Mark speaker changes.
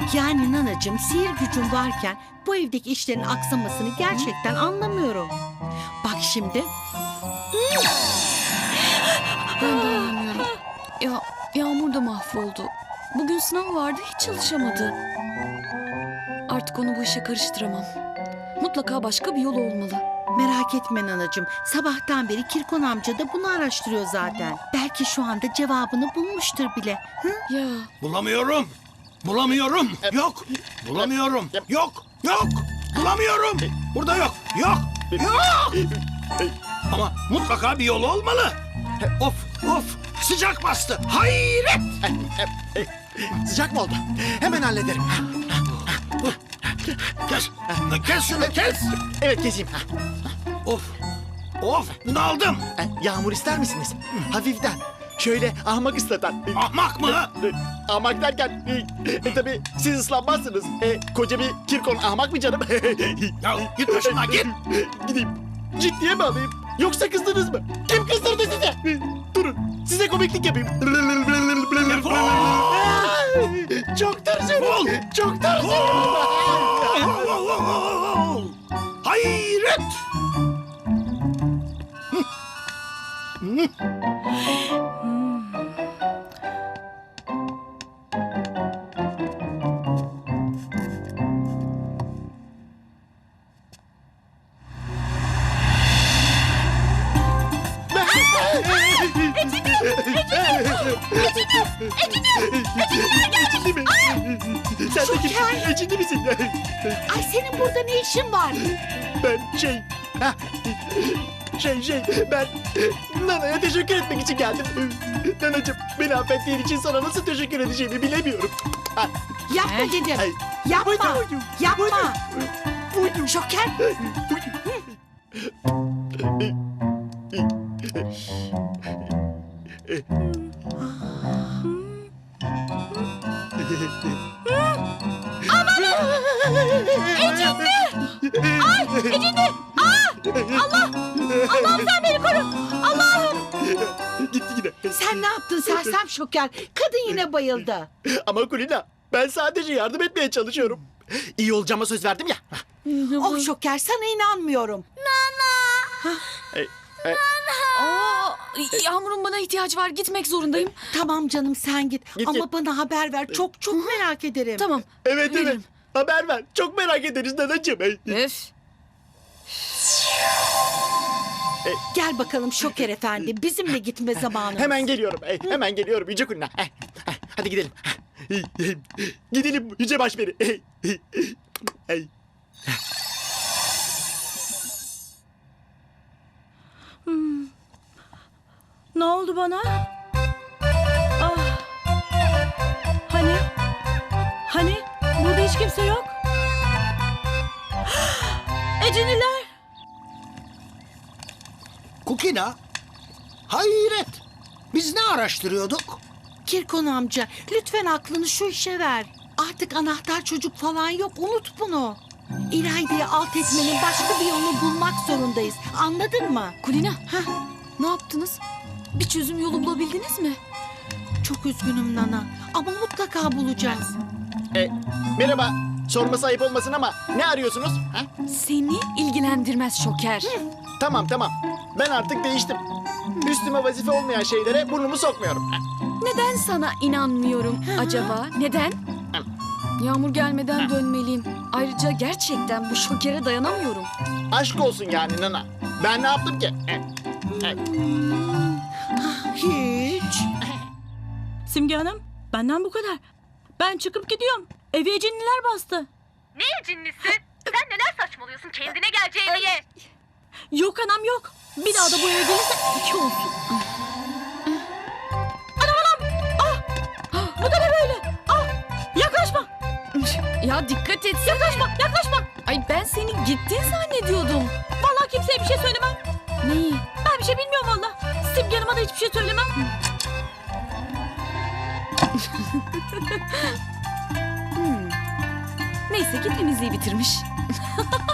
Speaker 1: Yani nanacığım, sihir gücün varken bu evdeki işlerin aksamasını gerçekten anlamıyorum. Bak şimdi.
Speaker 2: Ben de anlamıyorum. Ya Yağmur da mahvoldu. Bugün sınav vardı, hiç çalışamadı. Artık onu bu işe karıştıramam. Mutlaka başka bir yol olmalı.
Speaker 1: Merak etme nanacığım. Sabahtan beri Kirkon amca da bunu araştırıyor zaten. Belki şu anda cevabını bulmuştur bile. Hı?
Speaker 2: Ya
Speaker 3: Bulamıyorum. Bulamıyorum. Yok. Bulamıyorum. Yok. Yok. Bulamıyorum. Burada yok. Yok. Yok. Ama mutlaka bir yol olmalı. Of of. Sıcak bastı. Hayret.
Speaker 4: Sıcak mı oldu? Hemen hallederim.
Speaker 3: Kes. Kes şunu kes.
Speaker 4: Evet, keseyim.
Speaker 3: Of. Of. Bunu aldım.
Speaker 4: Yağmur ister misiniz? Hafiften. Şöyle ahmak ıslatan.
Speaker 3: Ahmak mı?
Speaker 4: Ahmak derken tabii siz ıslanmazsınız. Koca bir Kirkon ahmak mı canım?
Speaker 3: Ya git başımdan git.
Speaker 4: Gideyim. Ciddiye mi alayım? Yoksa kızdınız mı? Kim kızdırdı size? Durun. Size komiklik yapayım.
Speaker 3: Defol.
Speaker 4: Çok tırsıyorum.
Speaker 3: Defol.
Speaker 4: Çok tırsıyorum.
Speaker 3: Hayret.
Speaker 4: Ecindi mi? Sen de kimsin? Ecindi misin?
Speaker 1: Ay, senin burada ne işin var?
Speaker 4: Ben ben Nana'ya teşekkür etmek için geldim. Nanacığım, beni affettiğin için sana nasıl teşekkür edeceğimi bilemiyorum.
Speaker 1: Yapma dedim.
Speaker 4: Ay,
Speaker 1: Yapma.
Speaker 4: buydu.
Speaker 1: Yapma.
Speaker 4: Buydu.
Speaker 1: Şoker. Allah'ım sen beni koru. Allah'ım.
Speaker 4: Gitti yine.
Speaker 1: Sen ne yaptın sersem Şoker? Kadın yine bayıldı.
Speaker 4: Ama Kulina, ben sadece yardım etmeye çalışıyorum. İyi olacağıma söz verdim ya.
Speaker 1: Oh Şoker, sana inanmıyorum.
Speaker 2: Aa, Yağmur'un bana ihtiyacı var. Gitmek zorundayım.
Speaker 1: Tamam canım, sen git.
Speaker 4: Git,
Speaker 1: Ama
Speaker 4: git.
Speaker 1: bana haber ver. Çok merak ederim.
Speaker 2: Tamam.
Speaker 4: Evet.
Speaker 2: Veririm.
Speaker 4: Haber ver. Çok merak ederiz Nanacığım.
Speaker 2: Öf.
Speaker 1: Gel bakalım Şoker efendi. Bizimle gitme zamanı.
Speaker 4: Hemen geliyorum. Hemen geliyorum Yüce Kulina. Hadi gidelim. Gidelim Yüce Başperi.
Speaker 5: Ne oldu bana? Ah. Hani? Burada hiç kimse yok. Eciniler.
Speaker 3: Kukina. Hayret. Biz ne araştırıyorduk?
Speaker 1: Kirkon amca, lütfen aklını şu işe ver. Artık anahtar çocuk falan yok. Unut bunu. İlayda'yı alt etmenin başka bir yolunu bulmak zorundayız. Anladın mı?
Speaker 2: Kulina. Ne yaptınız? Bir çözüm yolu bulabildiniz mi?
Speaker 1: Çok üzgünüm Nana. Ama mutlaka bulacağız.
Speaker 4: Merhaba. Sorması ayıp olmasın ama ne arıyorsunuz?
Speaker 2: Seni ilgilendirmez Şoker.
Speaker 4: Tamam. Ben artık değiştim. Üstüme vazife olmayan şeylere burnumu sokmuyorum.
Speaker 2: Neden sana inanmıyorum acaba? Neden? Yağmur gelmeden dönmeliyim. Ayrıca gerçekten bu Şoker'e dayanamıyorum.
Speaker 4: Aşk olsun yani Nana. Ben ne yaptım ki?
Speaker 1: Hiç.
Speaker 5: Simge Hanım, benden bu kadar. Ben çıkıp gidiyorum. Evi eciniler bastı.
Speaker 6: Ne cinlisi? Sen neler saçmalıyorsun? Kendine geleceğini ye.
Speaker 5: Yok anam yok. Bir daha da bu eve gelirse 2 olsun. Anam. Ah. Bu da ne böyle? Ah. Yaklaşma.
Speaker 2: Ya dikkat etsene.
Speaker 5: Yaklaşma.
Speaker 2: Ay ben seni gittin zannediyordum.
Speaker 5: Vallahi kimseye bir şey söylemem.
Speaker 2: Neyi?
Speaker 5: Ben bir şey bilmiyorum vallahi. Simge Hanım'a da hiçbir şey söylemem.
Speaker 2: Neyse ki temizliği bitirmiş.